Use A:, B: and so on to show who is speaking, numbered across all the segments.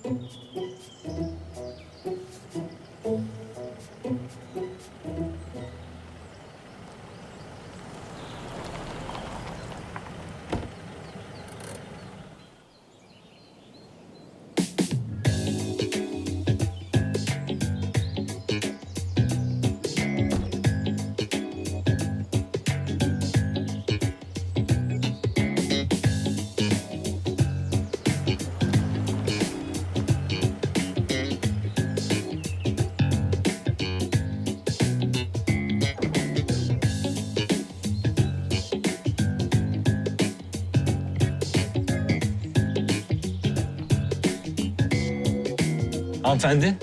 A: Hanımefendi.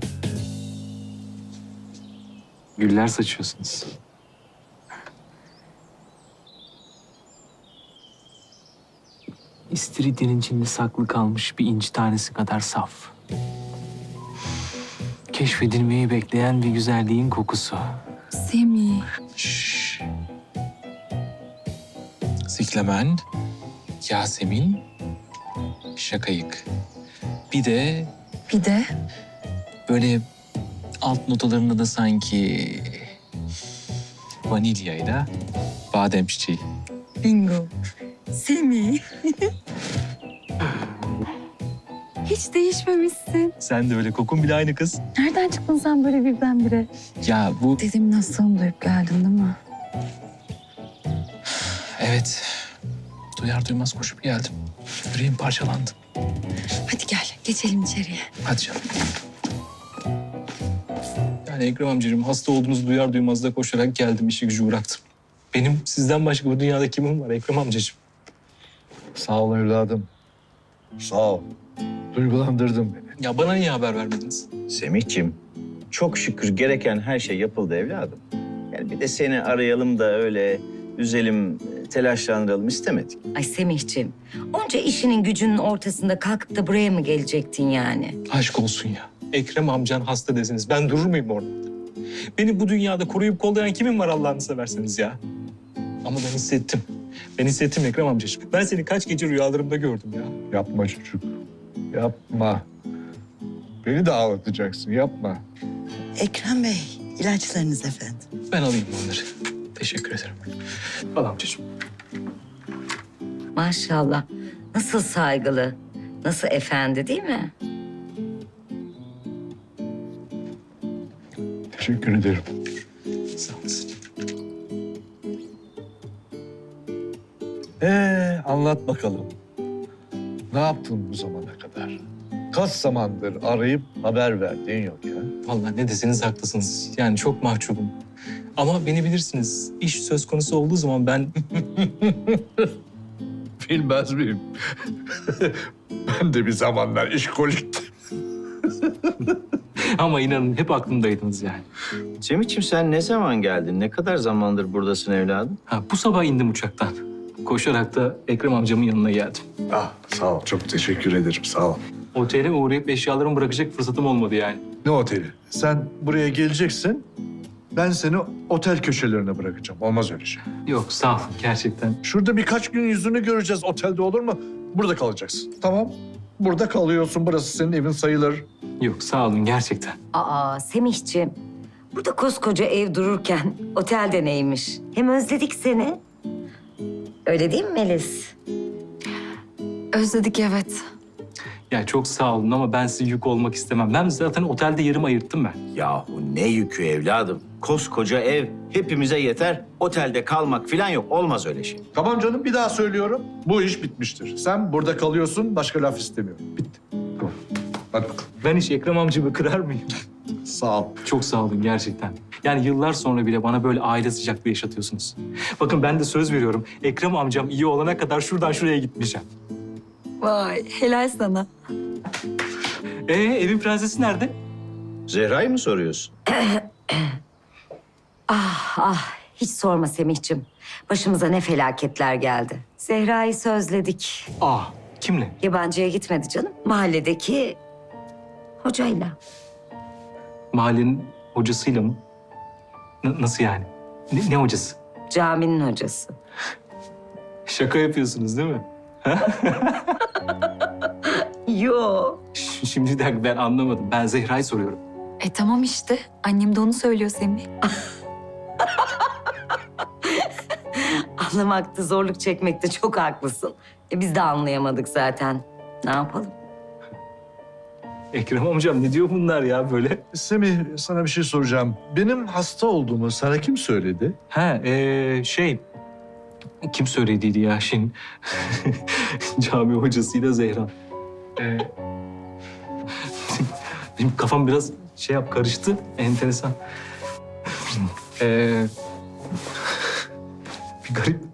A: Güller saçıyorsunuz. İstiridyenin içinde saklı kalmış bir inci tanesi kadar saf. Keşfedilmeyi bekleyen bir güzelliğin kokusu.
B: Semih.
A: Şşş. Ziklemen, Yasemin, Şakayık. Bir de
B: Bir de
A: böyle alt notalarında da sanki vanilyayla badem çiçeği.
B: bingo. Semih. Hiç değişmemişsin.
A: Sen de öyle, kokun bile aynı kız.
B: Nereden çıktın sen böyle birdenbire?
A: Ya bu...
B: Dedemin hastalığını duyup geldin değil mi?
A: Evet. Duyar duymaz koşup geldim. Yüreğim parçalandı.
B: Hadi gel, geçelim içeriye.
A: Hadi canım. Yani Ekrem amcacığım, hasta olduğunuzu duyar duymaz da koşarak geldim, işi gücü bıraktım. Benim sizden başka bu dünyada kimim var Ekrem amcacığım?
C: Sağ ol evladım. Sağ ol. Duygulandırdın beni.
A: Ya bana niye haber vermediniz?
D: Semihciğim, çok şükür gereken her şey yapıldı evladım. Yani bir de seni arayalım da öyle üzelim, telaşlandıralım istemedik.
E: Ay Semihciğim, onca işinin gücünün ortasında kalkıp da buraya mı gelecektin yani?
A: Aşk olsun ya. Ekrem amcan hasta desiniz. Ben durur muyum orada? Beni bu dünyada koruyup kollayan kimim var Allah'ını severseniz ya? Ama ben hissettim. Ben hissettim Ekrem amcacığım. Ben seni kaç gece rüyalarımda gördüm ya.
C: Yapma çocuk. Yapma. Beni de ağlatacaksın. Yapma.
F: Ekrem Bey, ilaçlarınız efendim.
A: Ben alayım onları. Teşekkür ederim. Al amcacığım.
E: Maşallah. Nasıl saygılı, nasıl efendi değil mi?
C: Teşekkür ederim.
A: Sağ olasın.
C: Anlat bakalım. Ne yaptın bu zamana kadar? Kaç zamandır arayıp haber verdiğin yok ya.
A: Vallahi ne deseniz haklısınız. Yani çok mahcubum. Ama beni bilirsiniz. İş söz konusu olduğu zaman ben...
C: Bilmez miyim? Ben de bir zamanlar işkoliktim.
A: Ama inanın hep aklımdaydınız yani.
D: Semihciğim sen ne zaman geldin? Ne kadar zamandır buradasın evladım?
A: Ha, bu sabah indim uçaktan. Koşarak da Ekrem amcamın yanına geldim.
C: Ah, sağ ol. Çok teşekkür ederim. Sağ ol.
A: Otele uğrayıp eşyalarımı bırakacak fırsatım olmadı yani.
C: Ne oteli? Sen buraya geleceksin. Ben seni otel köşelerine bırakacağım. Olmaz öyle şey.
A: Yok sağ olun gerçekten.
C: Şurada birkaç gün yüzünü göreceğiz. Otelde olur mu? Burada kalacaksın. Tamam. Burada kalıyorsun. Burası senin evin sayılır.
A: Yok sağ olun gerçekten.
E: Aa Semihciğim, burada koskoca ev dururken otelde neymiş? Hem özledik seni. Öyle değil mi Melis?
B: Özledik evet.
A: Ya çok sağ olun ama ben size yük olmak istemem. Ben zaten otelde yerimi ayırttım ben.
D: Yahu ne yükü evladım? Koskoca ev hepimize yeter. Otelde kalmak falan yok. Olmaz öyle şey.
C: Tamam canım, bir daha söylüyorum. Bu iş bitmiştir. Sen burada kalıyorsun. Başka laf istemiyorum. Bitti. Tamam. Hadi bakalım.
A: Ben hiç Ekrem amcamı kırar mıyım?
C: Sağ ol.
A: Çok sağ olun gerçekten. Yani yıllar sonra bile bana böyle aile sıcaklığı yaşatıyorsunuz. Bakın ben de söz veriyorum. Ekrem amcam iyi olana kadar şuradan şuraya gitmeyeceğim.
B: Vay helal sana.
A: Evin prensesi nerede?
D: Zehra'yı mı soruyorsun?
E: Ah hiç sorma Semihciğim. Başımıza ne felaketler geldi. Zehra'yı sözledik.
A: Kimle?
E: Yabancıya gitmedi canım. Mahalledeki hocayla.
A: Mahallenin hocasıyla mı? Nasıl yani? Ne hocası?
E: Caminin hocası.
A: Şaka yapıyorsunuz değil mi?
E: Yok.
A: Şimdi bir dakika ben anlamadım. Ben Zehra'yı soruyorum.
B: Tamam işte. Annem de onu söylüyor Semih.
E: Anlamakta zorluk çekmekte çok haklısın. Biz de anlayamadık zaten. Ne yapalım?
A: Ekrem amcam ne diyor bunlar ya böyle?
C: Semih, sana bir şey soracağım. Benim hasta olduğumu sana kim söyledi?
A: Ha kim söylediydi ya şimdi? Cami hocasıyla Zehra. Benim kafam biraz karıştı. Enteresan. Bir garip